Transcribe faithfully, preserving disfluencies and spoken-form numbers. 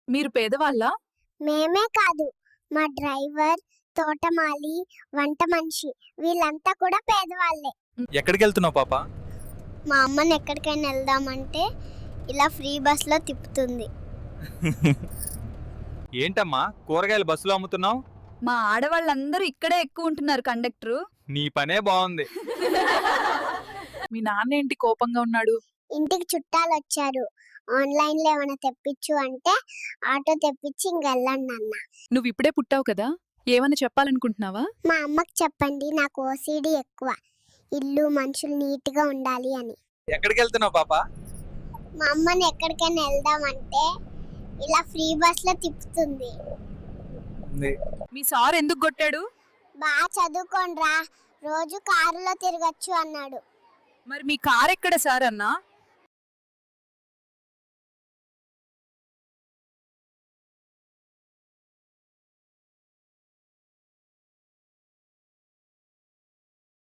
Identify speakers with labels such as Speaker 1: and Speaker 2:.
Speaker 1: మీరు పేదవాళ్ళా?
Speaker 2: మేమే కాదు, మా డ్రైవర్, తోటమాలి, వంట మనిషి వీళ్ళంతా కూడా పేదవాళ్ళే.
Speaker 3: ఎక్కడికి వెళ్తున్నావు పాప?
Speaker 2: మా అమ్మని ఎక్కడికైనా వెళ్దామంటే ఇలా ఫ్రీ బస్లో తిప్పుతుంది.
Speaker 3: ఏంటమ్మా కూరగాయలు బస్సులో అమ్ముతున్నావు?
Speaker 1: మా ఆడవాళ్ళందరూ ఇక్కడే ఎక్కువ ఉంటున్నారు కండక్టరు.
Speaker 3: నీ పనే బాగుంది.
Speaker 1: మీ నాన్న ఏంటి కోపంగా ఉన్నాడు?
Speaker 2: ఇంటికి చుట్టాలు వచ్చారు, ఆన్లైన్ లో ఏమైనా తెప్పించు అంటే ఆటో తెప్పించి ఇంకెళ్ళండి అన్న.
Speaker 1: నువ్వు ఇప్పుడే పుట్టావు కదా, ఏమన్నా చెప్పాలనుకుంటున్నావా?
Speaker 2: మా అమ్మకి చెప్పండి, నాకు ఓసిడి ఎక్కువ, ఇల్లు మనుషులు నీట్ గా ఉండాలి అని.
Speaker 3: ఎక్కడికి వెళ్తున్నావు పాప?
Speaker 2: మా అమ్మని ఎక్కడికైనా వెళ్దామంటే ఇలా ఫ్రీ బస్ లో తిప్పుతుంది.
Speaker 1: మీ సార్ ఎందుకు కొట్టాడు?
Speaker 2: బాగా చదువుకోండ్రా, రోజు కారులో తిరగచ్చు అన్నాడు.
Speaker 1: మరి మీ కార్ ఎక్కడ సార్ అన్నా?